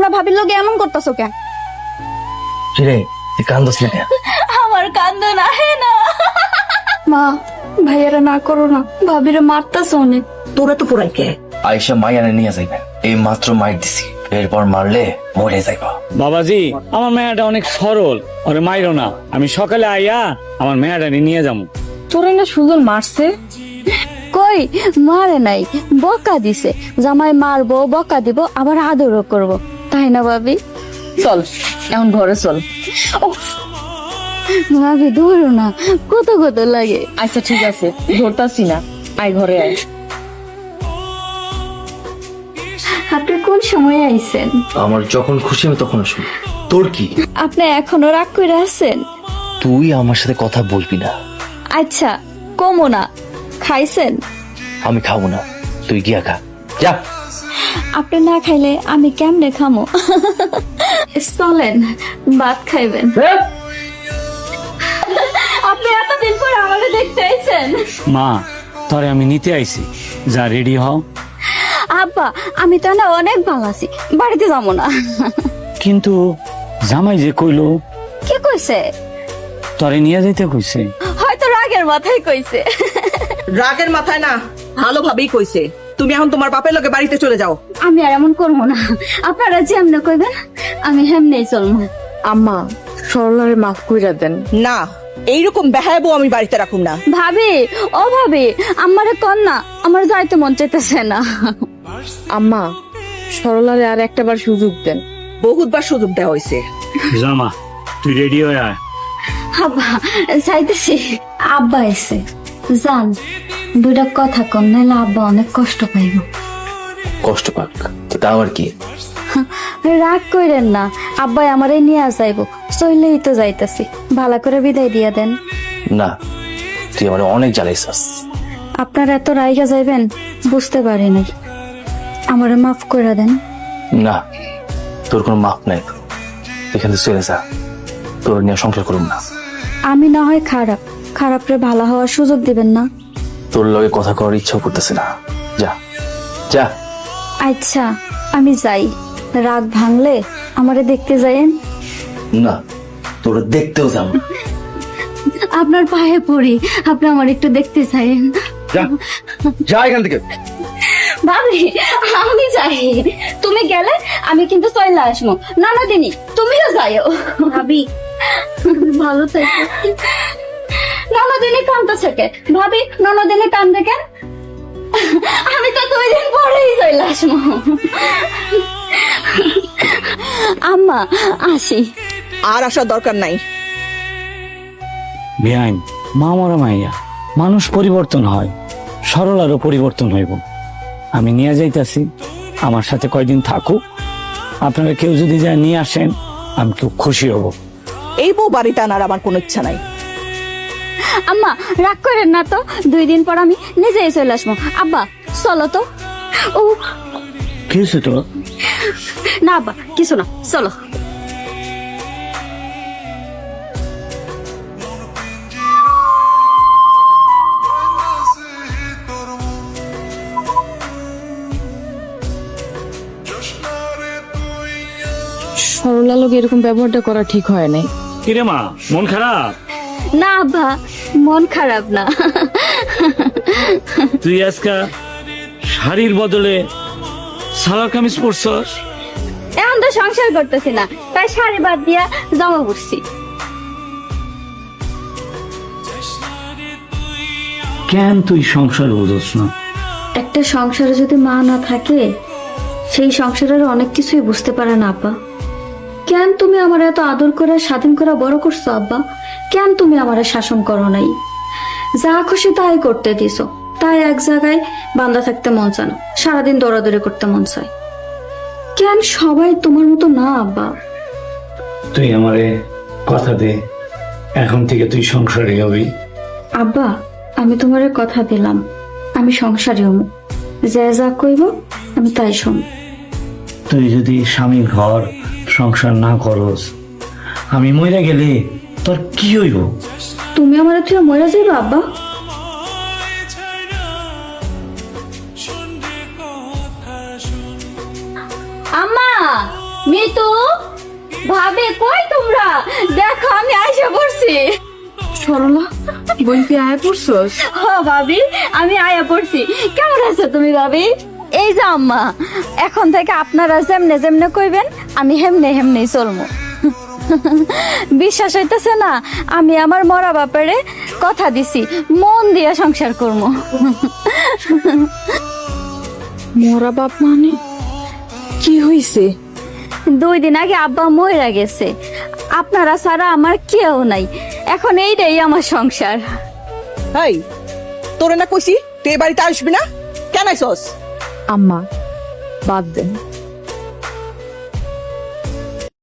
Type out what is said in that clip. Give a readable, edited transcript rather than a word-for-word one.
তোমরা ভাবির লোকে এমন করতেছো কেন? কিরে তুই কান্দস না কেন? আমার কান্দ না না। মা, ভাইয়ারা না করো না, ভাবিরে মারতাছো অনেক। তোরা তো পুরাই কে? আয়েশা মাইয়ানে নিয়ে যাইবে, এই মাত্র মাইর দিছি, এরপর মারলে মরে যাইব। বাবাজি, আমার মেয়েটা অনেক সরল, ওরে মাইরো না। আমি সকালে আইয়া আমার মেয়েটা নিয়ে যাবো। তোরে না সুজন মারছে? কই মারে নাই, বকা দিছে। জামাই মারবো, বকা দিব, আবার আদরও করব, তাই না ভাবি? চল এখন ঘরে চল। ভাবি ধরো না, কত কত লাগে। আচ্ছা ঠিক আছে, ধরতাছি না, আয় ঘরে আয়। আপনি কোন সময় আইছেন? আমার যখন খুশি আমি তখন শুনি। তোর কি? আপনি এখনো রাগ করে আছেন? তুই আমার সাথে কথা বলবি না। আচ্ছা কমো না। খাইছেন? আমি খাবো না, তুই গিয়া খা, যা। আপনি না খাইলে আমি কেমনে খামো? চলেন ভাত খাইবেন। আপনি এতদিন পর আমাকে দেখতে আইছেন। মা, তোরে আমি নিতে আইছি, যা রেডি হও। আব্বা, আমি তো না অনেক ভালো আছি, বাড়িতে যাবো না। কিন্তু জামাই যে কইলো কি কইছে? তোরে নিয়ে যাইতে কইছে। হয়তো রাগের মাথায় কইছে। রাগের মাথায় না, ভালোভাবেই কইছে। তুমি এখন তোমার বাপের লগে বাড়িতে চলে যাও। আমি আর এমন করবো না, আপনারা যেমনে কইবেন আমি হেমনেই চলবো। আম্মা, সরলারে মাফ কইরা দেন। না, এইরকম বেহায়াবো আমি বাড়িতে রাখুম না। ভাবি, ও ভাবি, আমারে কন না, আমার যাইতে মন চাইতেছে না। আম্মা, সরলারে আর একটাবার সুযোগ দেন। বহুতবার সুযোগ দেওয়া হয়েছে। জামা, তুই রেডি হয়ে আয়। আব্বা যাইতেছি। আব্বা এসে জান, দুইটা কথা কন, নাইলে আব্বা অনেক কষ্ট পাইব। কষ্ট পাক তো তা আমার কি? রাগ কইরেন না, আব্বাই আমারে নিয়ে যাইব, চইলেই তো যাইতাছি, ভালো করে বিদায় দিয়া দেন। না, তুই আমার অনেক জ্বালাইছাস। আপনার এত রাইগা যাইবেন বুঝতে পারি নাই, আমারে মাফ কইরা দেন। না, তোর কোনো মাপ নাই, এখান থেকে চলে যা, তোর নিয়ে সংসার করুন না। আমি না হয় খারাপ, খারাপরে ভালো হওয়ার সুযোগ দিবেন না। তোর লগে কথা করার ইচ্ছাও করতেছে না, যা যা। আচ্ছা আমি যাই, রাগ ভাঙলে আমারে দেখতে যাইয়েন। না, তোর দেখতেও যাব না। আপনার পায়ে পড়ি, আপনি আমার একটু দেখতে চাইেন। যা যা এখান থেকে। ভাবি আমি যাই, তুমি গেলে আমি কিন্তু চলে আসবো। নানা দিনি তুমিও যাইও। ভাবি ভালো থেকো। ননদিনী কান্দতেছে কে? ভাবি ননদিনী কান্দে কেন? আমি তো 2 দিন পরেই চলে আসবো। আম্মা আসি। আর আসার দরকার নাই। বেআইন, মা মরা মাইয়া, মানুষ পরিবর্তন হয়, সরলারও পরিবর্তন হইব। আমি নিয়ে যাইতাছি, আমার সাথে কয়দিন থাকুক। আপনারা কেউ যদি যা নিয়ে আসেন আমি খুব খুশি হব। এই বউ বাড়িতে আনার আমার কোনো ইচ্ছা নাই। আম্মা রাগ করেন না তো, 2 দিন পর আমি নিজেই চলে আসবো। আব্বা চলো তো। ও কি হয়েছে তো? না আব্বা কিছু না, চলো। সরলা লোক এরকম ব্যবহারটা করা ঠিক হয় নাই। কিরে মা, মন খারাপ? না আব্বা, মন খারাপ না। তুই আজকা শাড়ির বদলে সালোয়ার কামিজ পরছস। এখন তো সংসার করতেছি না, তাই শাড়ি বাদ দিয়া জামা পরছি। কেন তুই সংসার বুঝছ না? একটা সংসারে যদি মা না থাকে, সেই সংসারের অনেক কিছুই বুঝতে পারে না আব্বা। কেন তুমি আমার এত আদর করে স্বাধীন করে বড় করছো আব্বা? কেন তুমি আমার শাসন করো নাই? যা খুশি তাই করতে দিছো, তাই এক জায়গায় বান্ধা থাকতে মন চায় না, সারাদিন দৌড়াদৌড়ি করতে মন চায়। কেন সবাই তোমার মতো না আব্বা? তুই আমারে কথা দে, এখন থেকে তুই সংসারে হবি। আব্বা আমি তোমারে কথা দিলাম, আমি সংসারী হমু, যে যা কইব আমি তাই শুন। তুই যদি স্বামীর ঘর সংসার না করস, আমি মরে গেলে তোর কি হইব? তুমি আমার তুই মরে যাইবা আব্বা? আম্মা মিতু ভাবে কই তোমরা দেখো আমি আইসা পড়ছি। সরলা বোন তুই আয় পড়ছস? ভাবি আমি আয়া পড়ছি। কেমন আছো তুমি ভাবি? এই যে আম্মা, এখন থেকে আপনারা যেমনে যেমনে কইবেন আমি হেমনে হেমনেই চলবো। বিশ্বাস হইতেছে না? আমি আমার মরা বাপারে কথা দিছি মন দিয়া সংসার করবো। মরা বাপ মানে কি হইছে? 2 দিন আগে আব্বা মইরা গেছে, আপনারা ছাড়া আমার কেউ নাই, এখন এইটাই আমার সংসার। এই তোরে না কইছি তুই এ বাড়িতে আসবি না, কেন আইসস? আম্মা বাদ দেন,